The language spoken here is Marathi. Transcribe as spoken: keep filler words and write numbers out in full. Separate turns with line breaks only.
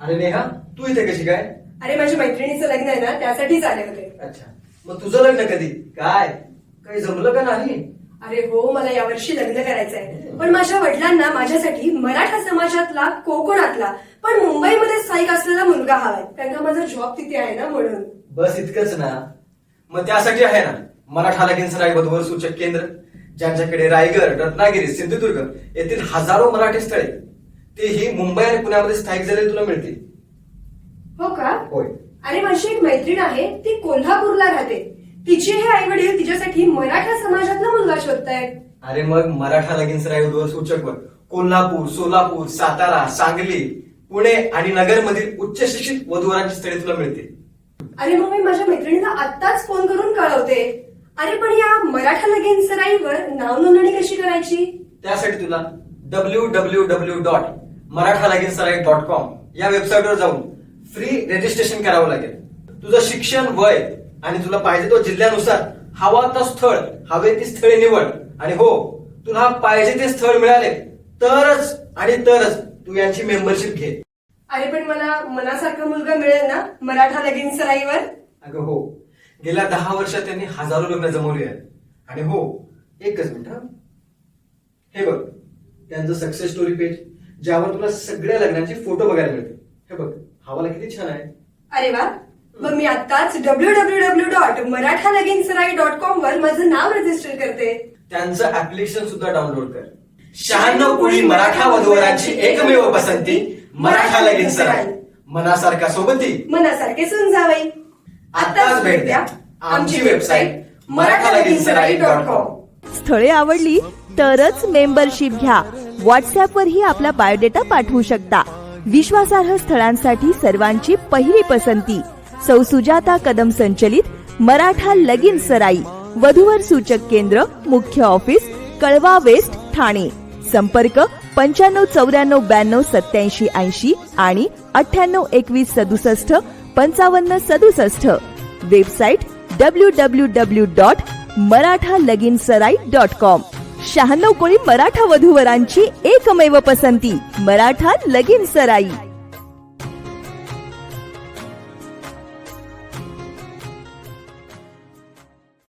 अरे नेहा, तू इथे कशी काय?
अरे माझ्या मैत्रिणीचं लग्न आहे ना, त्यासाठीच आले होते.
अच्छा, मग तुझं लग्न कधी? काय काही जमलं का नाही?
अरे हो, मला यावर्षी लग्न करायचंय, पण माझ्या वडिलांना माझ्यासाठी मराठा समाजातला, कोकणातला पण मुंबईमध्ये स्थायिक असलेला मुलगा हवाय, कारण का माझा जॉब तिथे आहे ना, म्हणून.
बस इतकंच ना? मग त्यासाठी आहे ना मराठा लगीन सराई वधूवर सूचक केंद्र, ज्यांच्याकडे रायगड, रत्नागिरी, सिंधुदुर्ग येथील हजारो मराठी स्थळे, तेही मुंबई आणि पुण्यामध्ये स्थायिक झालेले तुला मिळतील.
हो का?
होय.
अरे माझी एक मैत्रीण आहे, ती कोल्हापूरला राहते. तिचे हे आई वडील तिच्यासाठी मराठा समाजातला मुलगा शोधतायत.
अरे मग मराठा लगीन सराई वधूवर सूचक वर कोल्हापूर, सोलापूर, सातारा, सांगली, पुणे आणि नगर मधील उच्च शिक्षित वधूवरांची स्थळे तुला मिळतील.
अरे मग मी माझ्या मैत्रिणीला आत्ताच फोन करून कळवते. अरे पण या मराठा लगीन सराईवर नाव नोंदणी कशी करायची?
त्यासाठी तुला W W W dot Maratha Lagin Sarai dot com या वेबसाईटवर जाऊन फ्री रजिस्ट्रेशन करावं लागेल. तुझं शिक्षण, वय आणि तुला पाहिजे तो जिल्ह्यानुसार हवा तो स्थळ, हवे ती स्थळे निवड. आणि हो, तुला पाहिजे ते स्थळ मिळाले तरच आणि तरच तू यांची मेंबरशिप घे.
अरे पण मला मनासारखा मुलगा मिळेल ना मराठा लगीन सराईवर?
अगं हो, गेल्या दहा वर्षात त्यांनी हजारो लग्न जमवली आहेत. आणि हो, एकच मिनिट हा, हे बघ त्यांचं सक्सेस स्टोरी पेज, ज्यावर तुला सगळ्या लग्नांचे फोटो बघायला मिळतील. हे बघ, हवाला किती छान आहे.
अरे वा, मग मी आताच W W W dot Maratha Lagin Sarai dot com वर माझं नाव रजिस्टर करते.
त्यांचं ऍप्लिकेशन सुद्धा डाउनलोड कर. शहाण्णव कोळी मराठा वधूवरांची एकमेव पसंती, मराठा लगीन सराई. मनासारखा सोबती,
मनासारखे सुन जावई.
आताच भेट द्या आमची website Maratha Lagin Sarai dot com.
स्थळे आवडली तरच मेंबरशिप घ्या. व्हॉट्सअपवरही आपला बायोडेटा पाठवू शकता. विश्वासार्ह स्थळांसाठी सर्वांची पहिली पसंती सौ सुजाता कदम संचलित मराठा लगीन सराई. वधूवर सूचक केंद्र, मुख्य ऑफिस, कळवा वेस्ट, ठाणे. संपर्क पंच्याण्णव चौऱ्याण्णव ब्याण्णव सत्याऐंशी ऐंशी आणि अठ्ठ्याण्णव एकवीस सदुसष्ट पंचावन्न सदुसष्ट. Website W W W dot Maratha Lagin Sarai dot com. शहाण्णव कोळी मराठा वधूवरांची एकमेव पसंती, मराठा लगीन सराई.